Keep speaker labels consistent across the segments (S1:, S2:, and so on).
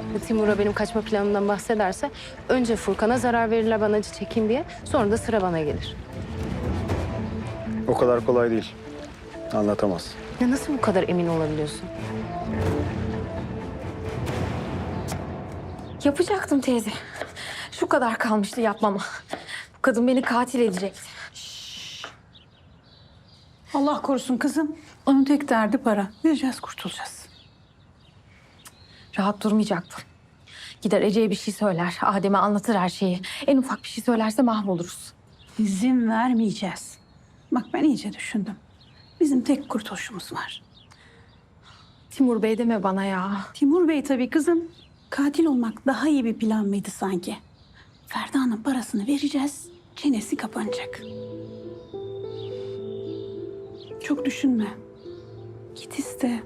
S1: Timur'a benim kaçma planımdan bahsederse önce Furkan'a zarar verirler ben acı çekeyim diye. Sonra da sıra bana gelir.
S2: O kadar kolay değil. Anlatamaz.
S1: Ya nasıl bu kadar emin olabiliyorsun?
S3: Yapacaktım teyze. Şu kadar kalmıştı yapmama. Bu kadın beni katil edecekti.
S4: Allah korusun kızım. Onun tek derdi para. Vereceğiz, kurtulacağız.
S3: Rahat durmayacaktım. Gider Ece'ye bir şey söyler. Adem'e anlatır her şeyi. En ufak bir şey söylerse mahvoluruz.
S4: İzin vermeyeceğiz. Bak ben iyice düşündüm. Bizim tek kurtuluşumuz var.
S3: Timur Bey deme bana ya.
S4: Timur Bey tabii kızım. Katil olmak daha iyi bir plan mıydı sanki? Ferda'nın parasını vereceğiz. Çenesi kapanacak. Çok düşünme. Git iste.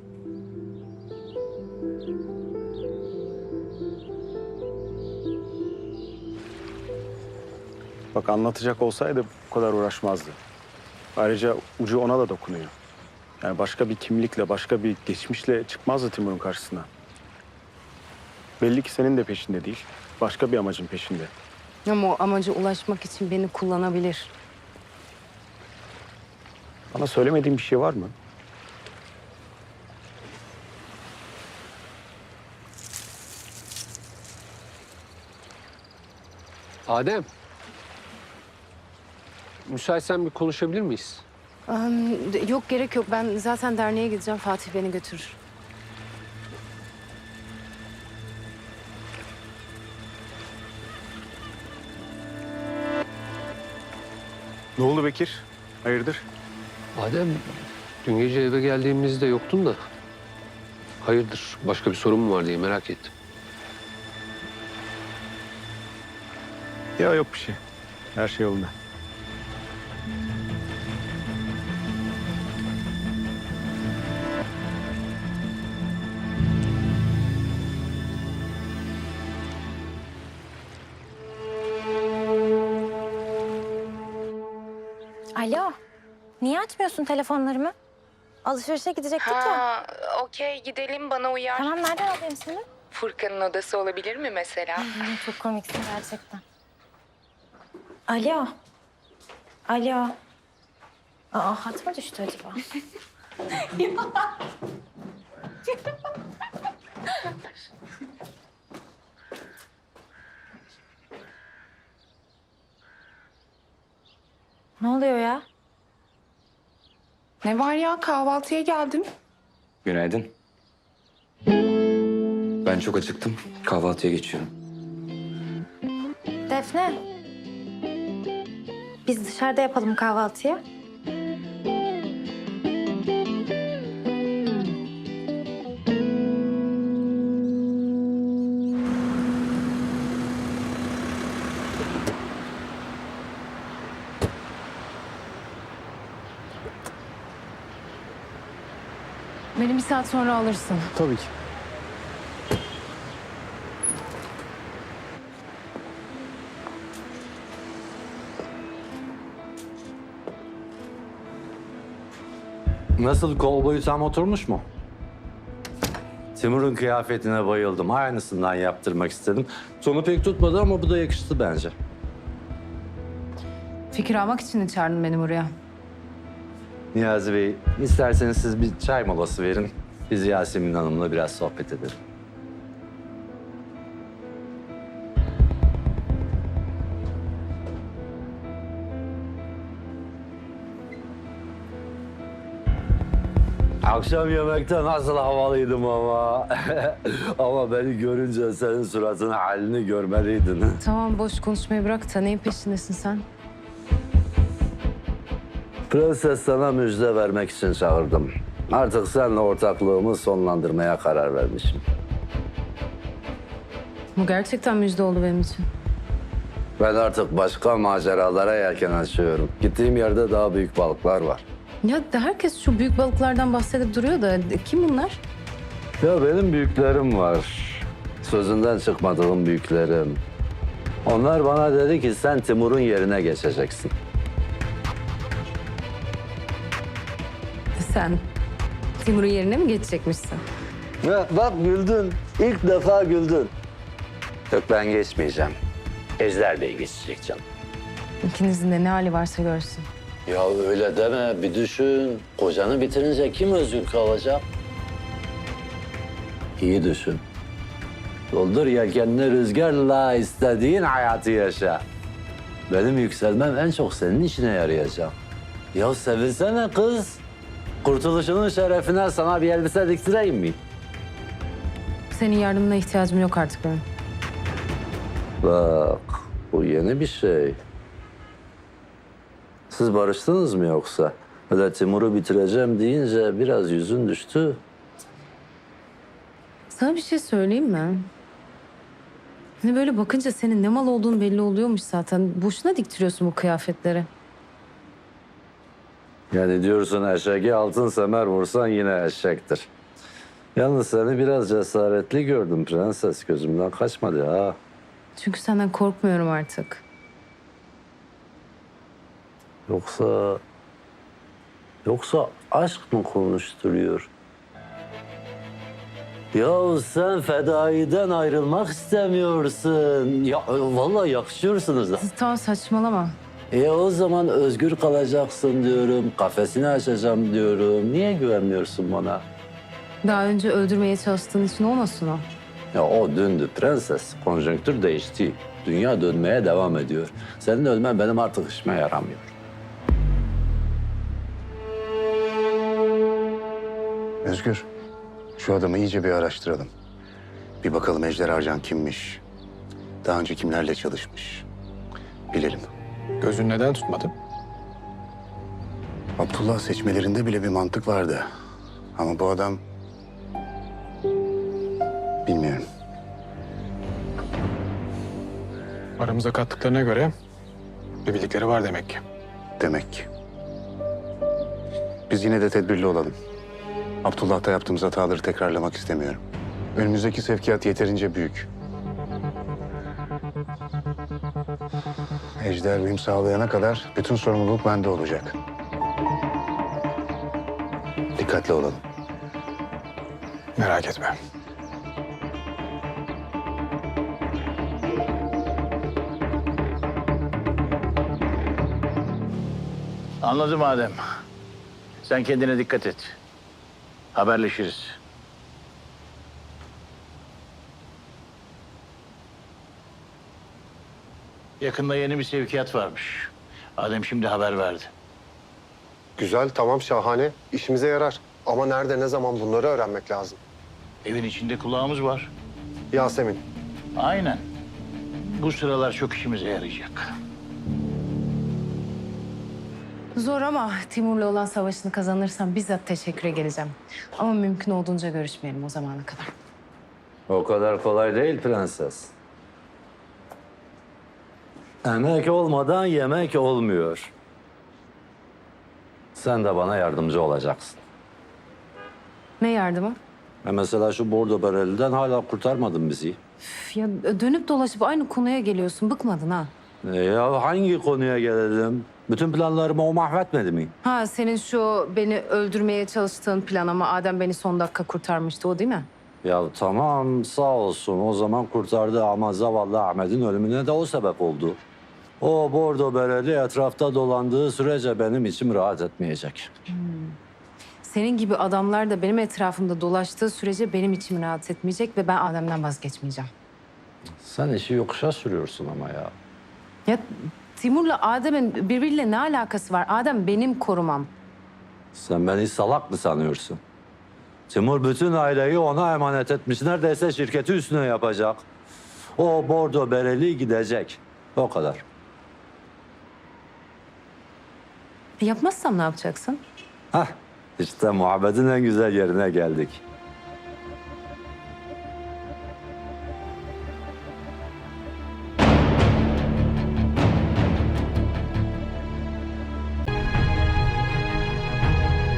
S2: Bak anlatacak olsaydı bu kadar uğraşmazdı. Ayrıca ucu ona da dokunuyor. Yani başka bir kimlikle, başka bir geçmişle çıkmazdı Timur'un karşısına. Belli ki senin de peşinde değil. Başka bir amacın peşinde.
S1: Ama o amaca ulaşmak için beni kullanabilir.
S2: Bana söylemediğin bir şey var mı?
S5: Adem. Müsaitsen bir konuşabilir miyiz?
S1: Yok gerek yok. Ben zaten derneğe gideceğim. Fatih beni götürür.
S2: Ne oldu Bekir? Hayırdır?
S5: Adem, dün gece eve geldiğimizde yoktun da. Hayırdır, başka bir sorun mu var diye merak ettim.
S2: Ya yok bir şey. Her şey yolunda.
S3: Alo. Niye açmıyorsun telefonlarımı? Alışverişe gidecektik ya.
S6: Okey gidelim bana uyar.
S3: Tamam nereden alayım seni?
S6: Furkan'ın odası olabilir mi mesela?
S3: Çok komiksin gerçekten. Alo. Alo. Aa hat mı düştü acaba? Ne oluyor ya?
S6: Ne var ya kahvaltıya geldim.
S7: Günaydın. Ben çok acıktım. Kahvaltıya geçiyorum.
S3: Defne. Biz dışarıda yapalım kahvaltıyı.
S1: Beni bir saat sonra alırsın.
S2: Tabii ki.
S8: Nasıl, kol boyu tam oturmuş mu? Timur'un kıyafetine bayıldım. Aynısından yaptırmak istedim. Sonu pek tutmadı ama bu da yakıştı bence.
S1: Fikir almak için mi çağırdın beni buraya?
S8: Niyazi Bey, isterseniz siz bir çay molası verin. Biz Yasemin Hanım'la biraz sohbet edelim. Akşam yemekte nasıl havalıydım ama. Ama beni görünce senin suratının halini görmeliydin.
S1: Tamam boş konuşmayı bırak da neyin peşindesin sen?
S8: Prenses sana müjde vermek için çağırdım. Artık seninle ortaklığımı sonlandırmaya karar vermişim.
S1: Bu gerçekten müjde oldu benim için.
S8: Ben artık başka maceralara yelken açıyorum. Gittiğim yerde daha büyük balıklar var.
S1: Ya herkes şu büyük balıklardan bahsedip duruyor da kim bunlar?
S8: Ya benim büyüklerim var. Sözünden çıkmadığım büyüklerim. Onlar bana dedi ki sen Timur'un yerine geçeceksin.
S1: Sen Timur'un yerine mi geçecekmişsin?
S8: Ya bak güldün. İlk defa güldün. Yok ben geçmeyeceğim. Ejder Bey geçecek canım.
S1: İkinizin de ne hali varsa görsün.
S8: Ya öyle deme, bir düşün. Kocanı bitirince kim özgür kalacak? İyi düşün. Doldur yelkenini rüzgarla, istediğin hayatı yaşa. Benim yükselmem en çok senin işine yarayacak. Ya sevilsene kız. Kurtuluşunun şerefine sana bir elbise diktireyim mi?
S1: Senin yardımına ihtiyacım yok artık benim.
S8: Bak, bu yeni bir şey. Siz barıştınız mı yoksa? Öyle Timur'u bitireceğim deyince biraz yüzün düştü.
S1: Sana bir şey söyleyeyim mi? Hani böyle bakınca senin ne mal olduğunu belli oluyormuş zaten. Boşuna diktiriyorsun bu kıyafetleri.
S8: Yani diyorsun eşeğe altın semer vursan yine eşektir. Yalnız seni biraz cesaretli gördüm prenses. Gözümden kaçmadı ha.
S1: Çünkü senden korkmuyorum artık.
S8: Yoksa aşk mı konuşturuyor? Ya sen fedaiden ayrılmak istemiyorsun. Ya vallahi yakışıyorsunuz da.
S1: Tamam saçmalama.
S8: O zaman özgür kalacaksın diyorum. Kafesini açacağım diyorum. Niye güvenmiyorsun bana?
S1: Daha önce öldürmeye çalıştığın için olmasın o.
S8: Ya o dündü prenses. Konjonktür değişti. Dünya dönmeye devam ediyor. Senin ölmen benim artık işime yaramıyor.
S9: Özgür, şu adamı iyice bir araştıralım. Bir bakalım Ejder Arcan kimmiş? Daha önce kimlerle çalışmış? Bilelim.
S2: Gözün neden tutmadı?
S9: Abdullah seçmelerinde bile bir mantık vardı. Ama bu adam... Bilmiyorum.
S2: Aramıza kattıklarına göre bir bildikleri var demek ki.
S9: Demek ki. Biz yine de tedbirli olalım. Abdullah'ta yaptığımız hataları tekrarlamak istemiyorum. Önümüzdeki sevkiyat yeterince büyük. Ejder uyum sağlayana kadar bütün sorumluluk bende olacak. Dikkatli olalım.
S2: Merak etme.
S10: Anladım Adem. Sen kendine dikkat et. Haberleşiriz. Yakında yeni bir sevkiyat varmış. Adem şimdi haber verdi.
S11: Güzel, tamam, şahane. İşimize yarar. Ama nerede, ne zaman bunları öğrenmek lazım.
S10: Evin içinde kulağımız var.
S11: Yasemin,
S10: Aynen. Bu sıralar çok işimize yarayacak.
S1: Zor ama Timur'la olan savaşını kazanırsam bizzat teşekküre geleceğim. Ama mümkün olduğunca görüşmeyelim o zamana kadar.
S8: O kadar kolay değil prenses. Emek olmadan yemek olmuyor. Sen de bana yardımcı olacaksın.
S1: Ne yardımı?
S8: Mesela şu bordo bereliden hala kurtarmadın bizi.
S1: Üf, ya dönüp dolaşıp aynı konuya geliyorsun. Bıkmadın ha?
S8: Ya hangi konuya gelelim? Bütün planlarımı o mahvetmedi mi?
S1: Ha senin şu beni öldürmeye çalıştığın plan ama Adem beni son dakika kurtarmıştı o değil mi?
S8: Ya tamam sağ olsun o zaman kurtardı ama zavallı Ahmet'in ölümüne de o sebep oldu. O bordo bereli etrafta dolandığı sürece benim içim rahat etmeyecek.
S1: Senin gibi adamlar da benim etrafımda dolaştığı sürece benim içim rahat etmeyecek ve ben Adem'den vazgeçmeyeceğim.
S8: Sen işi yokuşa sürüyorsun ama ya.
S1: Ya Timur'la Adem'in birbiriyle ne alakası var? Adem benim korumam.
S8: Sen beni salak mı sanıyorsun? Timur bütün aileyi ona emanet etmiş. Neredeyse şirketi üstüne yapacak. O bordo bereli gidecek. O kadar.
S1: Yapmazsam ne yapacaksın?
S8: Hah, işte muhabbetin en güzel yerine geldik.